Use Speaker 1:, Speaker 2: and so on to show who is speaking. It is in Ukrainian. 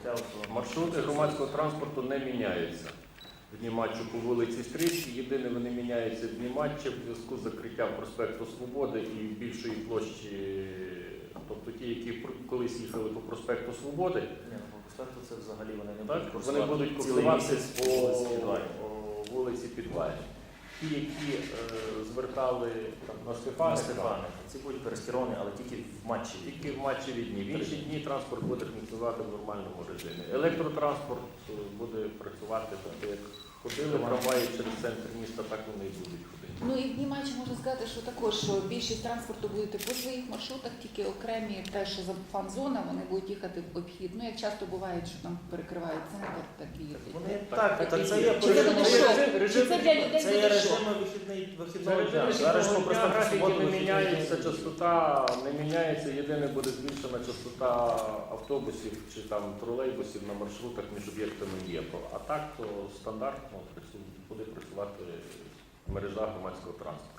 Speaker 1: Маршрути громадського транспорту не міняються в дні матчу по вулиці Стрийській. Єдине, вони міняються в дні матчу в зв'язку з закриттям проспекту Свободи і більшої площі, тобто ті, які колись їхали по проспекту Свободи.
Speaker 2: Ні, по проспекту це взагалі
Speaker 1: Вони будуть курсуватися по вулиці Підвальній. Ті, які звертали на Стефаника,
Speaker 2: ці будуть перестіровані, але тільки в матчі.
Speaker 1: Тільки в матчеві дні. В інші дні транспорт буде функціонувати в нормальному режимі. Електротранспорт буде працювати, тобто як ходили трамваї через центр міста, так вони і будуть ходити.
Speaker 3: Ну і в дні матчі можна сказати, що також що більшість транспорту буде по своїх маршрутах, тільки окремі, те, що за фан-зона, вони будуть їхати в обхід. Ну, як часто буває, що там перекривають центр, так і
Speaker 2: Це є
Speaker 3: Чи це буде шок? Чи це для людей
Speaker 2: це є
Speaker 3: буде
Speaker 2: режим
Speaker 3: шок?
Speaker 2: вихідного дня. Зараз по проспекту
Speaker 1: графіки
Speaker 2: Свободи
Speaker 1: не міняється, частота не міняється, єдине буде збільшена частота автобусів чи там тролейбусів на маршрутах між об'єктами ЄПО. А так то стандартно буде працювати мережа громадського транспорту.